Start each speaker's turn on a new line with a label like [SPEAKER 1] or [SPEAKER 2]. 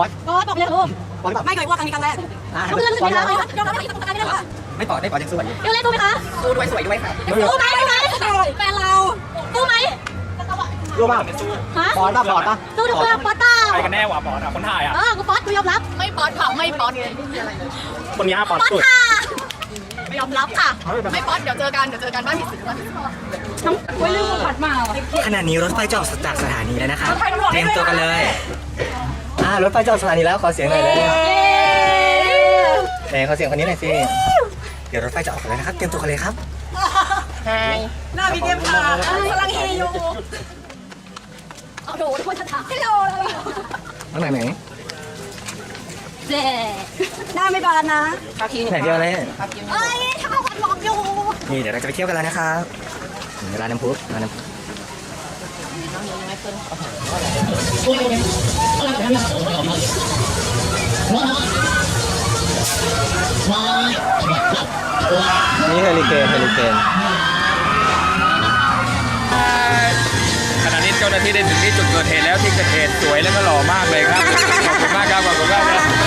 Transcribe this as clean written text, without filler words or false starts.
[SPEAKER 1] อสบอกเลยลูกบอสแบบ
[SPEAKER 2] ไม่เคยว่าครั้งนี้ครั้งแรก
[SPEAKER 1] ก็เรื่องสุดท้ายแล้ว
[SPEAKER 2] ยอมรับไม่ได้ตกใจไม่ได้หรอ
[SPEAKER 3] ไม่ปอดยังสวย
[SPEAKER 1] เรื่องเล่นสู้ไหมคะ
[SPEAKER 3] สู้ด้วยสวยด้วยค่ะ
[SPEAKER 1] สู้ไหมแฟนเราสู้ไหม
[SPEAKER 3] รู้ป่ะ
[SPEAKER 1] ฮะ
[SPEAKER 3] ปอดป่ะปอดป่ะ
[SPEAKER 1] สู้ทุกคนป๊อตต้า
[SPEAKER 4] ใครกันแน่วะปอดคนถ่ายอ่ะ
[SPEAKER 1] กูป๊อตกูยอมรับ
[SPEAKER 2] ไม่ป๊อตค่ะไม่ป๊อต
[SPEAKER 4] คนนี้ปอด
[SPEAKER 1] ป๊อต
[SPEAKER 4] สุด
[SPEAKER 1] ค่ะ
[SPEAKER 2] ไม่ยอมรับค่ะ ไม่ป๊อตเดี๋ยวเจอกันบ้านผิดศีลบ้านผิดศีล
[SPEAKER 3] ขณะนี้รถไฟจะออกจากสถานีแล้วนะคะเตรียมตัวกันเลยรถไฟจะออกสถานีแล้วขอเสียงหน่อยเลยไหนขอเสียงคนนี้หน่อยสิเดี๋ยวรถไฟจะออกแล้วนะครับเตรียมตัวกันเลยครับ
[SPEAKER 2] หน้าพี่เดียมค่ะกำลังเฮอยู่
[SPEAKER 1] เอาโดนคนจะถามฮัลโหล
[SPEAKER 3] ข้างไหน
[SPEAKER 1] เจ๊
[SPEAKER 2] หน้าไม่บานนะ
[SPEAKER 3] ไหนเดียวเลย
[SPEAKER 1] เอ้ยถ้าเขาวันหลอกอยู่
[SPEAKER 3] นี่เดี๋ยวเราจะไปเที่ยวกันแล้วนะครับถึงร้านน้ำพุร้านน้ำพุนี่เฮลิเคน
[SPEAKER 4] ขณะนี้เจ้าหน้าที่ได้ถึงที่จุดเกิดเหตุแล้วที่เกิดเหตุสวยและก็หล่อมากเลยครับขอบคุณมากครับขอบคุณมากครับ